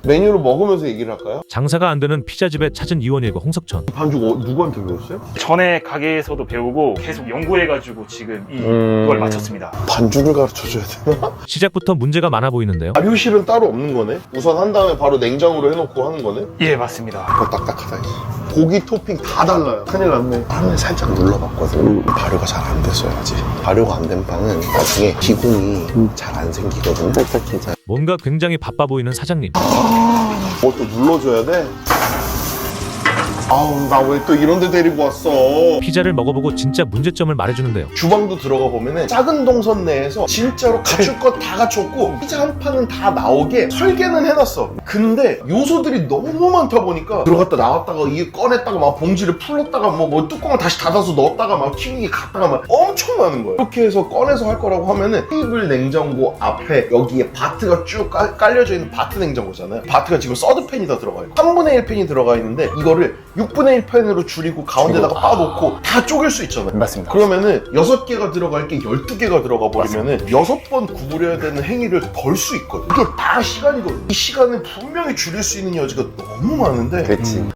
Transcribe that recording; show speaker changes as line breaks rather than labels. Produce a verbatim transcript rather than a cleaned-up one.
메뉴를 먹으면서 얘기를 할까요?
장사가 안 되는 피자집에 찾은 이원일과 홍석천.
반죽 어, 누구한테 배웠어요?
전에 가게에서도 배우고 계속 연구해가지고 지금 이,
음.
이걸 마쳤습니다.
반죽을 가르쳐줘야 되나?
시작부터 문제가 많아 보이는데요.
발효실은 따로 없는 거네? 우선 한 다음에 바로 냉장으로 해놓고 하는 거네?
예, 맞습니다.
어, 딱딱하다 이제. 고기 토핑 다 달라요. 큰일 났네. 판을 살짝 눌러봤거든. 발효가 잘 안 됐어요 아직. 발효가 안 된 판은 나중에 기공이 잘 안 생기거든요. 딱딱해져.
뭔가 굉장히 바빠 보이는 사장님.
뭐 또 눌러줘야 돼? 아우 나 왜 또 이런 데 데리고 왔어.
피자를 먹어보고 진짜 문제점을 말해주는데요.
주방도 들어가 보면은 작은 동선 내에서 진짜로 갖출 것 다 갖췄고 피자 한 판은 다 나오게 설계는 해놨어. 근데 요소들이 너무 많다 보니까 들어갔다 나왔다가 이게 꺼냈다가 막 봉지를 풀었다가 뭐, 뭐 뚜껑을 다시 닫아서 넣었다가 막 튀기기 갔다가 막 엄청 많은 거예요. 이렇게 해서 꺼내서 할 거라고 하면은 테이블 냉장고 앞에 여기에 바트가 쭉 깔, 깔려져 있는 바트 냉장고잖아요. 바트가 지금 서드팬이 다 들어가 있고 삼분의 일 팬이 들어가 있는데 이거를 육분의 일 팬으로 줄이고 가운데다가 빠놓고 다 쪼갤 수 있잖아요.
맞습니다.
그러면은 여섯 개가 들어갈 게 열두 개가 들어가 버리면은 여섯 번 구부려야 되는 행위를 덜 수 있거든. 이게 다 시간이거든. 이 시간을 분명히 줄일 수 있는 여지가 너무 많은데
그렇지.